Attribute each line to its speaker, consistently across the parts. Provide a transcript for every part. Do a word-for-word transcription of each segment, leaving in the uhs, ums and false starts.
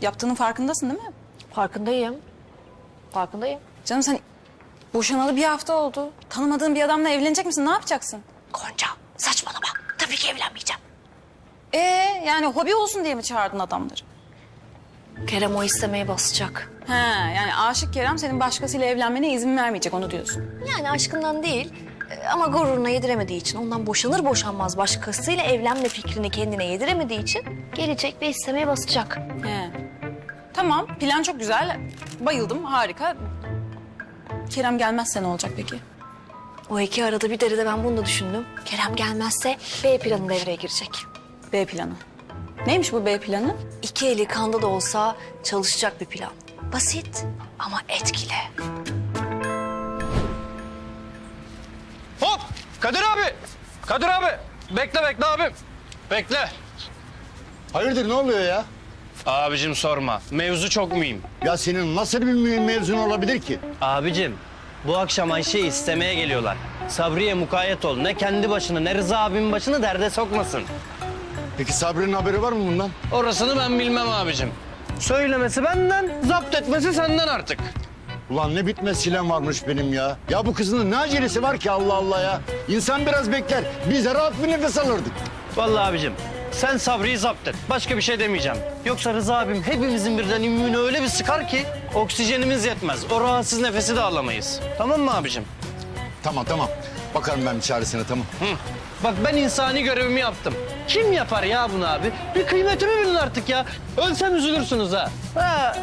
Speaker 1: yaptığının farkındasın değil mi?
Speaker 2: Farkındayım. Farkındayım.
Speaker 1: Canım sen boşanalı bir hafta oldu. Tanımadığın bir adamla evlenecek misin? Ne yapacaksın?
Speaker 2: Gonca saçmalama. Tabii ki evlenmeyeceğim.
Speaker 1: Ee yani hobi olsun diye mi çağırdın adamları?
Speaker 2: Kerem o istemeye basacak.
Speaker 1: He yani aşık Kerem senin başkasıyla evlenmene izin vermeyecek onu diyorsun.
Speaker 2: Yani aşkından değil e, ama gururuna yediremediği için ondan boşanır boşanmaz başkasıyla evlenme fikrini kendine yediremediği için gelecek ve istemeye basacak.
Speaker 1: He. Tamam plan çok güzel. Bayıldım harika. Kerem gelmezse ne olacak peki?
Speaker 2: O iki arada bir derede ben bunu da düşündüm. Kerem gelmezse B planı devreye girecek.
Speaker 1: B planı. Neymiş bu B planı?
Speaker 2: İki eli kanda da olsa çalışacak bir plan. Basit ama etkili.
Speaker 3: Hop! Kadir abi! Kadir abi! Bekle bekle abim. Bekle.
Speaker 4: Hayırdır ne oluyor ya?
Speaker 3: Abicim sorma. Mevzu çok mühim.
Speaker 4: Ya senin nasıl bir mühim mevzun olabilir ki?
Speaker 5: Abicim, bu akşam Ayşe'yi istemeye geliyorlar. Sabriye mukayyet ol. Ne kendi başını ne Rıza abimin başını derde sokmasın.
Speaker 4: Peki Sabri'nin haberi var mı bundan?
Speaker 3: Orasını ben bilmem abicim. Söylemesi benden, zapt etmesi senden artık.
Speaker 4: Ulan ne bitmez silem varmış benim ya. Ya bu kızın ne acelesi var ki Allah Allah ya. İnsan biraz bekler. Biz de rahat bir nefes alırdık.
Speaker 5: Vallahi abicim, sen Sabri'yi zapt et. Başka bir şey demeyeceğim. Yoksa Rıza abim hepimizin birden immünü öyle bir sıkar ki oksijenimiz yetmez. O rahatsız nefesi de alamayız. Tamam mı abicim?
Speaker 4: Tamam tamam. Bakarım ben bir çaresine tamam.
Speaker 5: Hı. Bak ben insani görevimi yaptım. Kim yapar ya bunu abi? Bir kıymetimi bilin artık ya. Ölsem üzülürsünüz ha. Ha.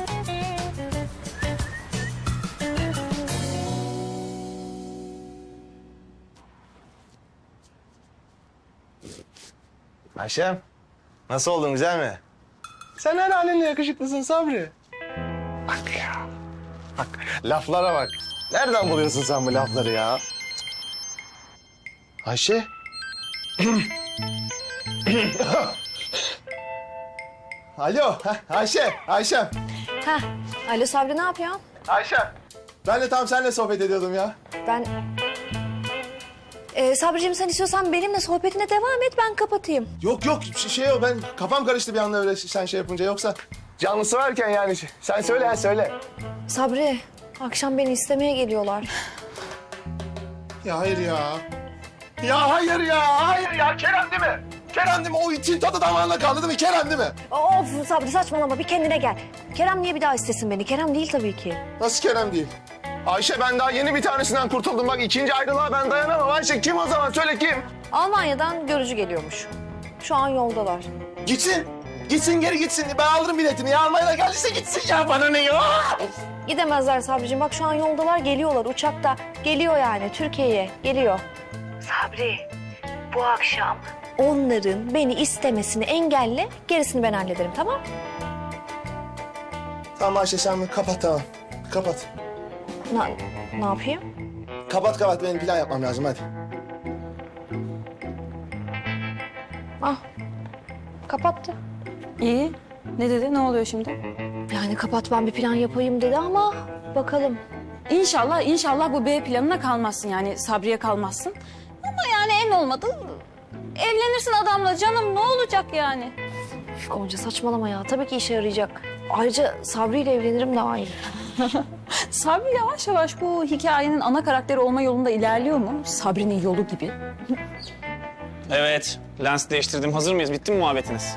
Speaker 6: Ayşem, nasıl oldun, güzel mi?
Speaker 7: Sen her halinle yakışıklısın Sabri.
Speaker 6: Bak ya, bak laflara bak. Nereden buluyorsun sen bu lafları ya? Ayşe. Alo, heh, Ayşe, Ayşem.
Speaker 2: Heh, alo Sabri ne yapıyorsun?
Speaker 6: Ayşem. Ben de tam seninle sohbet ediyordum ya.
Speaker 2: Ben... Ee, Sabriciğim sen istiyorsan benimle sohbetine devam et ben kapatayım.
Speaker 6: Yok yok, şey, şey o, ben kafam karıştı bir anda öyle sen şey yapınca. Yoksa canlısı varken yani. Sen söyle, ha, söyle.
Speaker 2: Sabri akşam beni istemeye geliyorlar.
Speaker 6: Ya hayır ya. Ya hayır ya, hayır ya. Kerem değil mi? Kerem değil mi? O itin tadı damağında kaldı değil mi? Kerem değil mi?
Speaker 2: Of Sabri saçmalama bir kendine gel. Kerem niye bir daha istesin beni? Kerem değil tabii ki.
Speaker 6: Nasıl Kerem değil? Ayşe ben daha yeni bir tanesinden kurtuldum. Bak ikinci ayrılığa ben dayanamam. Ayşe kim o zaman? Söyle kim?
Speaker 2: Almanya'dan görücü geliyormuş. Şu an yoldalar.
Speaker 6: Gitsin. Gitsin geri gitsin. Ben alırım biletini. Ya Almanya'da geldiyse gitsin ya. Bana ne ya?
Speaker 2: Gidemezler Sabriciğim. Bak şu an yoldalar geliyorlar uçakta. Geliyor yani Türkiye'ye geliyor. Sabri bu akşam onların beni istemesini engelle. Gerisini ben hallederim tamam?
Speaker 6: Tamam Ayşe sen kapat tamam. Kapat.
Speaker 2: Ne, ne yapayım?
Speaker 6: Kapat kapat. Benim plan yapmam lazım hadi.
Speaker 2: Ah kapattı.
Speaker 1: İyi. Ne dedi? Ne oluyor şimdi?
Speaker 2: Yani kapat ben bir plan yapayım dedi ama bakalım.
Speaker 1: İnşallah, inşallah bu B planına kalmazsın yani Sabriye kalmazsın. Ama yani en olmadı evlenirsin adamla canım ne olacak yani?
Speaker 2: Üf, Gonca saçmalama ya. Tabii ki işe yarayacak. Ayrıca Sabri ile evlenirim daha iyi.
Speaker 1: Sabri yavaş yavaş bu hikayenin ana karakteri olma yolunda ilerliyor mu? Sabri'nin yolu gibi.
Speaker 7: Evet, lens değiştirdim. Hazır mıyız? Bitti mi muhabbetiniz?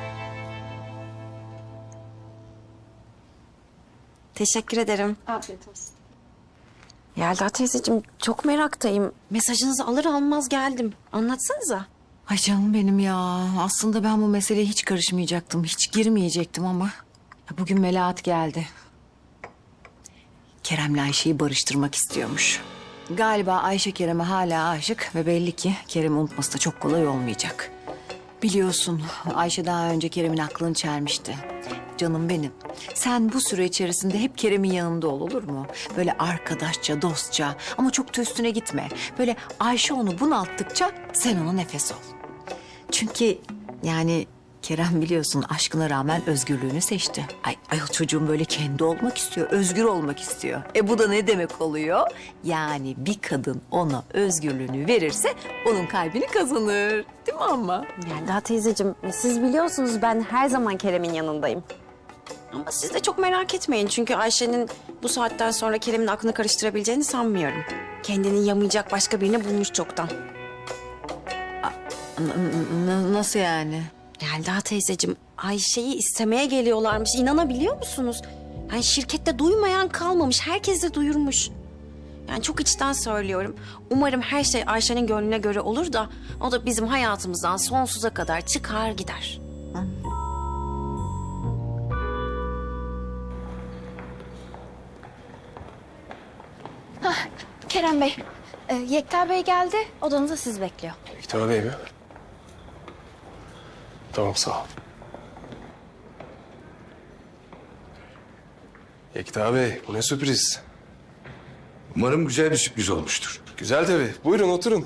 Speaker 8: Teşekkür ederim.
Speaker 1: Afiyet olsun.
Speaker 8: Yelda teyzeciğim çok meraktayım. Mesajınızı alır almaz geldim. Anlatsanıza.
Speaker 9: Ay canım benim ya. Aslında ben bu meseleye hiç karışmayacaktım. Hiç girmeyecektim ama bugün Melahat geldi. Kerem'le Ayşe'yi barıştırmak istiyormuş. Galiba Ayşe Kerem'e hala aşık ve belli ki Kerem'i unutması da çok kolay olmayacak. Biliyorsun Ayşe daha önce Kerem'in aklını çelmişti. Canım benim. Sen bu süre içerisinde hep Kerem'in yanında ol olur mu? Böyle arkadaşça, dostça ama çok da üstüne gitme. Böyle Ayşe onu bunalttıkça sen ona nefes ol. Çünkü yani Kerem biliyorsun aşkına rağmen özgürlüğünü seçti. Ay, ay o çocuğum böyle kendi olmak istiyor, özgür olmak istiyor. E bu da ne demek oluyor? Yani bir kadın ona özgürlüğünü verirse onun kalbini kazanır. Değil mi ama?
Speaker 8: Yelda teyzeciğim siz biliyorsunuz ben her zaman Kerem'in yanındayım. Ama siz de çok merak etmeyin. Çünkü Ayşe'nin bu saatten sonra Kerem'in aklını karıştırabileceğini sanmıyorum. Kendini yamayacak başka birini bulmuş çoktan.
Speaker 9: N- n- nasıl yani?
Speaker 8: Yelda teyzeciğim, Ayşe'yi istemeye geliyorlarmış. İnanabiliyor musunuz? Yani şirkette duymayan kalmamış. Herkes de duyurmuş. Yani çok içten söylüyorum. Umarım her şey Ayşe'nin gönlüne göre olur da o da bizim hayatımızdan sonsuza kadar çıkar gider.
Speaker 1: Kerem Bey, e, Yekta Bey geldi. Odanızda siz bekliyor.
Speaker 7: Yekta Bey mi? Tamam sağ ol. Yekta Bey bu ne sürpriz.
Speaker 4: Umarım güzel bir sürpriz olmuştur.
Speaker 7: Güzel tabii. Buyurun oturun.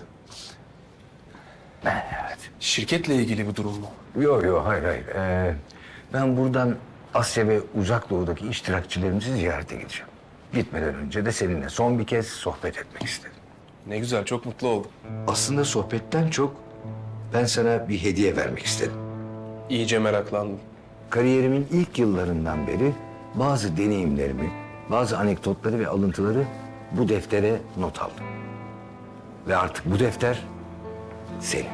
Speaker 7: Şirketle ilgili bir durum mu?
Speaker 10: Yok yok hayır hayır. Ee, ben buradan Asya ve Uzak Doğu'daki iştirakçilerimizi ziyarete gideceğim. Gitmeden önce de seninle son bir kez sohbet etmek istedim.
Speaker 7: Ne güzel çok mutlu oldum.
Speaker 10: Aslında sohbetten çok ben sana bir hediye vermek istedim.
Speaker 7: İyice meraklandım.
Speaker 10: Kariyerimin ilk yıllarından beri bazı deneyimlerimi, bazı anekdotları ve alıntıları bu deftere not aldım. Ve artık bu defter senin.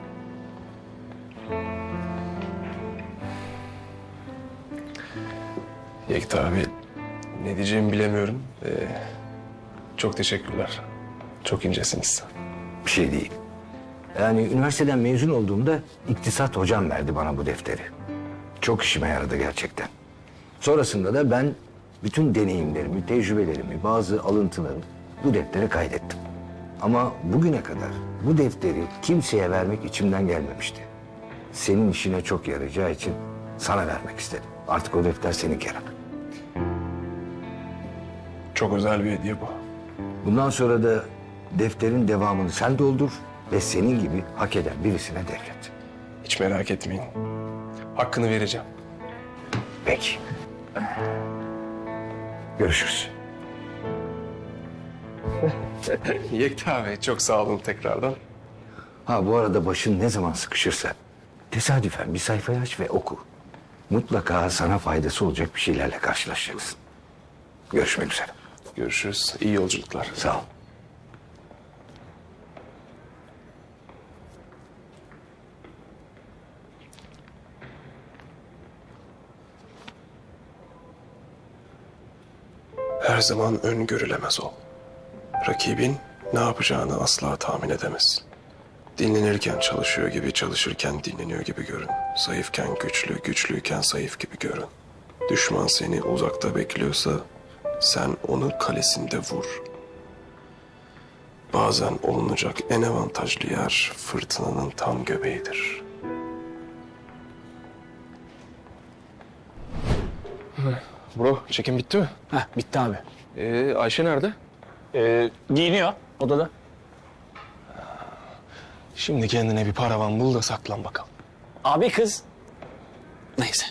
Speaker 7: Yekta abi ne diyeceğimi bilemiyorum. Ee, çok teşekkürler. Çok incesiniz.
Speaker 10: Bir şey değil. Yani üniversiteden mezun olduğumda iktisat hocam verdi bana bu defteri. Çok işime yaradı gerçekten. Sonrasında da ben bütün deneyimlerimi, tecrübelerimi, bazı alıntıları bu deftere kaydettim. Ama bugüne kadar bu defteri kimseye vermek içimden gelmemişti. Senin işine çok yarayacağı için sana vermek istedim. Artık o defter senin Kerem.
Speaker 7: Çok özel bir hediye bu.
Speaker 10: Bundan sonra da defterin devamını sen doldur ve senin gibi hak eden birisine devret.
Speaker 7: Hiç merak etmeyin. Hakkını vereceğim.
Speaker 10: Peki. Görüşürüz.
Speaker 7: Yekta Bey çok sağ olun tekrardan.
Speaker 10: Ha bu arada başın ne zaman sıkışırsa tesadüfen bir sayfayı aç ve oku. Mutlaka sana faydası olacak bir şeylerle karşılaşacaksın. Görüşmek üzere.
Speaker 7: Görüşürüz. İyi yolculuklar.
Speaker 10: Sağ ol.
Speaker 7: Her zaman öngörülemez ol. Rakibin ne yapacağını asla tahmin edemezsin. Dinlenirken çalışıyor gibi, çalışırken dinleniyor gibi görün. Zayıfken güçlü, güçlüyken zayıf gibi görün. Düşman seni uzakta bekliyorsa sen onu kalesinde vur. Bazen olunacak en avantajlı yer fırtınanın tam göbeğidir. Bro, çekim bitti mi?
Speaker 3: Heh, bitti abi.
Speaker 7: Ee, Ayşe nerede?
Speaker 3: Ee, giyiniyor odada.
Speaker 7: Şimdi kendine bir paravan bul da saklan bakalım.
Speaker 3: Abi kız. Neyse.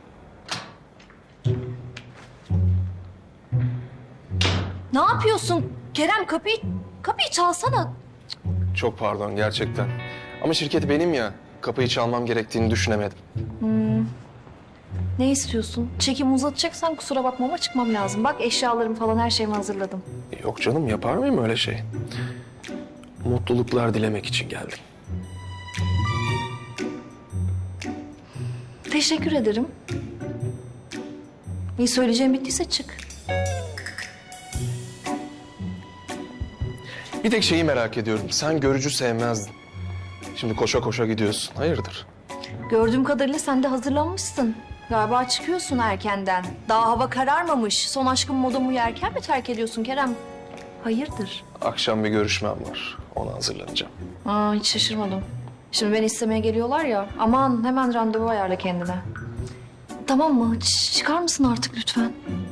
Speaker 2: Ne yapıyorsun? Kerem kapıyı, kapıyı çalsana.
Speaker 7: Çok pardon gerçekten. Ama şirket benim ya. Kapıyı çalmam gerektiğini düşünemedim.
Speaker 2: Ne istiyorsun? Çekimi uzatacaksan kusura bakma ama çıkmam lazım. Bak eşyalarım falan her şeyimi hazırladım.
Speaker 7: Yok canım yapar mıyım öyle şey? Mutluluklar dilemek için geldim.
Speaker 2: Teşekkür ederim. İyi söyleyeceğim bittiyse çık.
Speaker 7: Bir tek şeyi merak ediyorum. Sen görücü sevmezdin. Şimdi koşa koşa gidiyorsun. Hayırdır?
Speaker 2: Gördüğüm kadarıyla sen de hazırlanmışsın. Galiba çıkıyorsun erkenden. Daha hava kararmamış. Son aşkın modumu yerken mi terk ediyorsun Kerem? Hayırdır?
Speaker 7: Akşam bir görüşmem var. Ona hazırlanacağım.
Speaker 2: Aa, hiç şaşırmadım. Şimdi beni istemeye geliyorlar ya. Aman hemen randevu ayarla kendine. Tamam mı? Ç- çıkar mısın artık lütfen?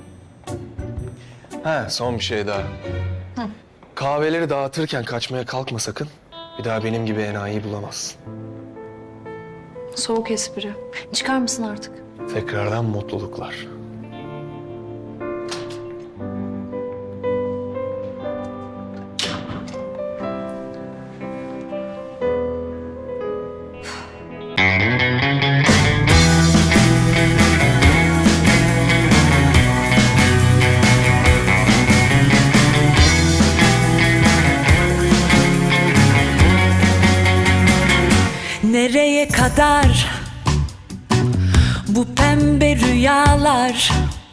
Speaker 7: He son bir şey daha. Kahveleri dağıtırken kaçmaya kalkma sakın. Bir daha benim gibi enayi bulamazsın.
Speaker 2: Soğuk espri. Çıkar mısın artık?
Speaker 7: Tekrardan mutluluklar.
Speaker 11: Nereye kadar bu pembe rüyalar?